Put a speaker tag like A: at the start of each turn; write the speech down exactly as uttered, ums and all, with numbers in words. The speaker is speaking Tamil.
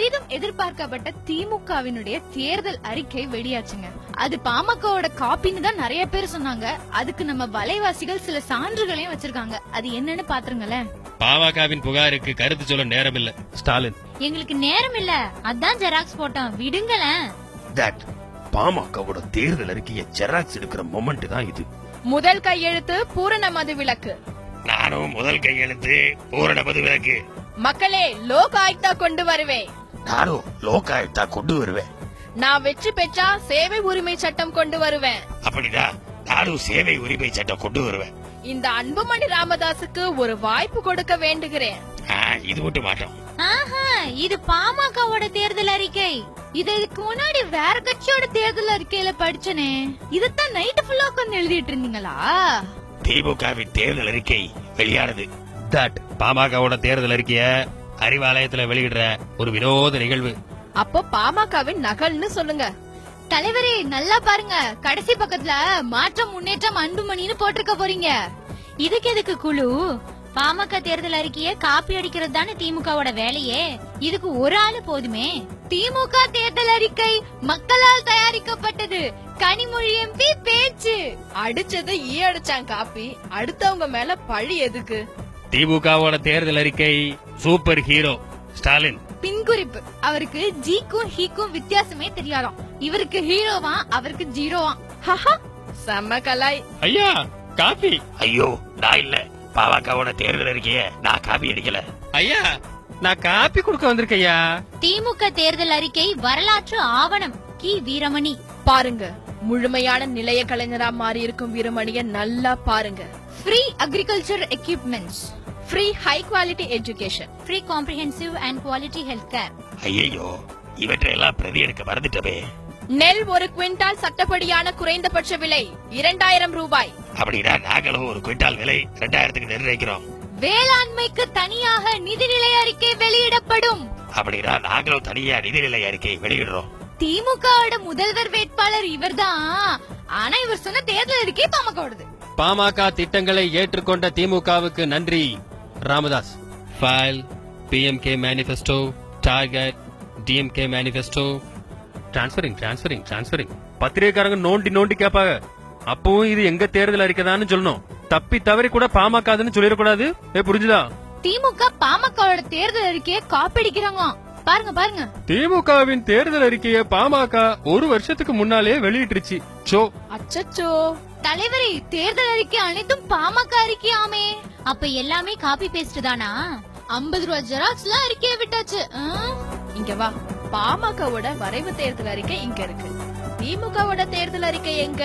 A: பெரிதும் எதிர்பார்க்கப்பட்ட திமுகவினுடைய தேர்தல் அறிக்கை வெளியாச்சுங்க. அது பாமகவோட காப்பின்னு தான் நிறைய பேர் சொன்னாங்க. அதுக்கு நம்ம வலைவாசிகள் சில சான்றுகளையும் வச்சிருக்காங்க. அது என்னன்னு பாத்துருங்களேன்.
B: பாமகவின் புகாருக்கு கருத்து சொல்ல நேரம் இல்ல ஸ்டாலின்.
C: எங்களுக்கு நேரம் இல்ல, அதான் ஜெராக்ஸ் போட்டோம், விடுங்களேன்.
D: தட் பாமகவோட தேர்தல் அறிக்கையை ஜெராக்ஸ் எடுக்கிற மொமெண்ட் தான் இது.
A: முதல் கையெழுத்து பூரண மது விலக்கு.
D: நானும் முதல் கையெழுத்து பூரண மது விலக்கு.
A: மக்களே, லோக் ஆயுக்தா கொண்டு வருவேன்.
D: நானும் லோக் ஆயுக்தா கொண்டு வருவேன்.
A: நான் வெற்றி பெற்றா சேவை உரிமை சட்டம் கொண்டு வருவேன்.
D: அப்படிதான், நானும் சேவை உரிமை சட்டம் கொண்டு வருவேன்.
A: இந்த அன்புமணி ராமதாசுக்கு ஒரு வாய்ப்பு கொடுக்க வேண்டுகிறேன்.
D: இது மட்டும் மாட்டோம்.
C: ஆஹா, இது பாமகவோட தேர்தல் அறிக்கை.
A: இதுக்கு முன்னாடி வேற கட்சியோட தேர்தல் அறிக்கையில படிச்சனே. இதத்தான் நைட் ஃபுல்லா உட்கார்ந்து எழுதிட்டு இருந்தீங்களா?
D: திமுகவின் தேர்தல் அறிக்கை வெளியானது.
B: தட் பாமகவோட தேர்தல் அறிக்கைய அறிவாலயத்துல வெளியிடுற ஒரு வினோத நிகழ்வு.
A: அப்போ பாமகவின் நகல்னு சொல்லுங்க. தலைவரே, நல்லா பாருங்க, கடைசி பக்கத்துல மாற்றம் முன்னேற்றம் அன்புமணின்னு போட்டிருக்க போறீங்க.
C: இதுக்கு எதுக்கு குழு? பாமக தேர்தல் அறிக்கைய காப்பி அடிக்கிறது தானே திமுகவோட வேலையே. இதுக்கு ஒரு ஆளு போதுமே.
A: திமுக தேர்தல் அறிக்கை மக்களால் தயாரிக்கப்பட்டது. கனிமொழி எம்பி பேச்சு. அடிச்சது ஈ அடிச்சான் காப்பி. அடுத்தவங்க மேல பழி எதுக்கு?
B: திமுகவோட தேர்தல் அறிக்கை சூப்பர் ஹீரோ ஸ்டாலின்.
A: பின்குறிப்பு, அவருக்கு ஜிக்கும் ஹீக்கும் வித்தியாசமே தெரியாதாம். இவருக்கு ஹீரோவா, அவருக்கு ஜீரோவா. செம்ம கலாய்.
B: ஐயா காப்பி.
D: ஐயோ, நான் இல்ல. பாமகவோட தேர்தல் அறிக்கைய நான் காப்பி அடிக்கல.
B: ஐயா, நான் காப்பி கொடுக்க வந்திருக்கையா.
C: திமுக தேர்தல் அறிக்கை வரலாற்று ஆவணம். கி வீரமணி.
A: பாருங்க, முழுமையான நிலைய கலைஞரா மாறி இருக்கும் வீரமணிய நல்லா பாருங்க. Free agriculture equipments, free high quality education,
C: free comprehensive and quality health care.
D: ஐயோ, இவற்றையெல்லாம் பிரதி எடுக்க மறந்துட்டவே.
A: நெல் ஒரு குவிண்டால் சட்டப்படியான குறைந்தபட்ச விலை இரண்டாயிரம் ரூபாய்.
D: அப்படின்னா நாங்களும் ஒரு குவிண்டால் விலை இரண்டாயிரத்துக்கு நிர்ணயிக்கிறோம்.
A: வேளாண்மைக்கு தனியாக நிதிநிலை அறிக்கை வெளியிடப்படும்.
D: அப்படின்னா நாங்களும் தனியா நிதிநிலை அறிக்கை வெளியிடுறோம்.
A: திமுகவோட முதல்வர் வேட்பாளர் இவர்தான். ஆனா இவர் சொன்ன தேர்தல் அறிக்கை பாமகவோடது.
B: பாமக திட்டங்களை ஏற்றுக்கொண்ட திமுகவுக்கு நன்றி. Ramadoss. File, PMK manifesto, target, DMK manifesto. Transferring transferring transferring. பத்திரிகைக்காரங்க நோண்டி நோண்டி கேட்பாங்க. அப்பவும் இது எங்க தேர்தல் அறிக்கைதான்னு சொல்லணும். தப்பி தவறி கூட பாமகன்னு சொல்லிடக்கூடாது. புரிஞ்சுதா?
A: திமுக பாமகவோட தேர்தல் அறிக்கையை காப்பிடிக்கிறாங்க. பாருங்க பாருங்க.
B: திமுகவின் தேர்தல் அறிக்கையை பாமக ஒரு வருஷத்துக்கு முன்னாலே வெளியிட்டுருச்சு. சோ
A: அச்சச்சோ, தலைவரே, தேர்தல் அறிக்கை அனைத்தும் பாமக அறிக்கையாமே.
C: அப்ப எல்லாமே காப்பி பேஸ்ட் தானா?
A: ஐம்பது ரூபா ஜெராக்ஸ் எல்லாம் அறிக்கையை விட்டாச்சு. இங்க வா, பாமகவோட வரைவு தேர்தல் அறிக்கை இங்க இருக்கு. திமுகவோட தேர்தல் அறிக்கை எங்க?